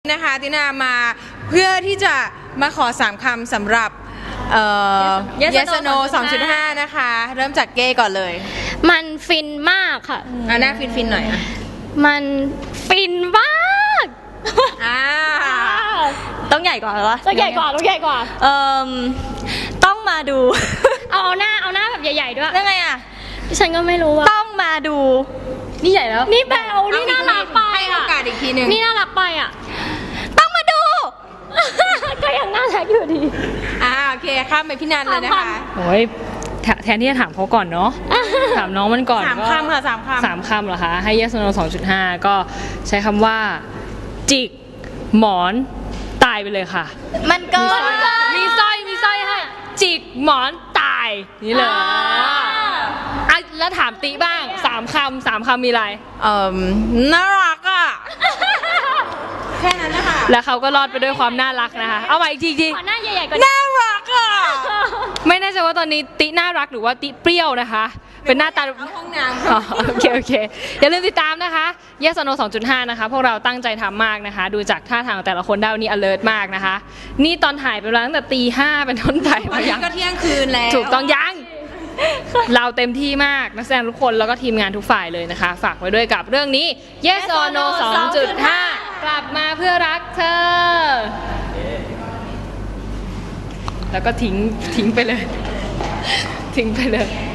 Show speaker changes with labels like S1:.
S1: นะคะตินามาเพื่อที่จะมาขอ3 คำสำหรับYes or No 2.5 นะคะ เริ่มจากเก้ก่อนเลย
S2: มันฟินมากค่ะ
S1: หน้าฟินหน่อยอ่ะ
S2: มันฟินมาก
S3: ต้องใหญ่กว่าเหรอ
S2: ต้องใหญ่กว่า
S3: ต้องมาดู
S2: เอาหน้าแบบใหญ่ๆด้วย
S3: ยังไงอ่ะ
S2: ฉันก็ไม่รู้ว่า
S3: ต้องมาดู นี่ใหญ่แล้ว
S2: นี่แบลนี่น่ารักไป
S1: ให้โอกาสอีกทีหนึ่ง
S2: นี่น่ารักไปอ่ะ
S3: ต้องมาดู
S2: ก็ยังน่ารักอยู่ดี
S1: โอเคข้ามไปพี่นันเลยนะคะ
S4: โอ้ยแทนที่จะถามเขาก่อนเนาะ ถามน้องมันก่อน
S1: 3 คำค่ะ3 คำ
S4: 3 คำเหรอคะ ให้ Yes or No 2.5 ก็ใช้คำว่า จิก หมอน ตายไปเลยค่ะ
S3: มันเกิน
S4: มีสร้อยให้ จิก หมอน ตาย นี่เลยแล้วถามติบ้าง 3 คำมีอะไร
S1: น่ารักอ่ะ แค่นั้นนะคะ
S4: แล้วเขาก็รอดไปด้วยความน่ารักนะคะ เอามาอีกที
S2: ขอหน้าใหญ่ๆกว่านี้
S1: น่ารักอ่ะ
S4: ไม่แน่ใจว่าตอนนี้ติน่ารักหรือว่าติเปรี้ยวนะคะ เป็นหน้าตา
S1: เข้าห้องน้ำ
S4: อ๋อโอเคอย่าลืมติดตามนะคะ Yes or No 2.5 นะคะพวกเราตั้งใจทำมากนะคะ ดูจากท่าทางของแต่ละคนได้วันนี้ alert มากนะคะ นี่ตอนถ่ายไปแล้วตั้งแต่ตี 5เป็นต้นไป
S1: วัน
S4: ยั
S1: นี้ก็เที่ยงคืนแล้ว
S4: ถูกต้องยัง เราเต็มที่มากนักแสดงทุกคนแล้วก็ทีมงานทุกฝ่ายเลยนะคะ ฝากไว้ด้วยกับเรื่องนี้ Yes or No 2.5 กลับมาเพื่อรักเธอ แล้วก็ทิ้งไปเลย ทิ้งไปเลย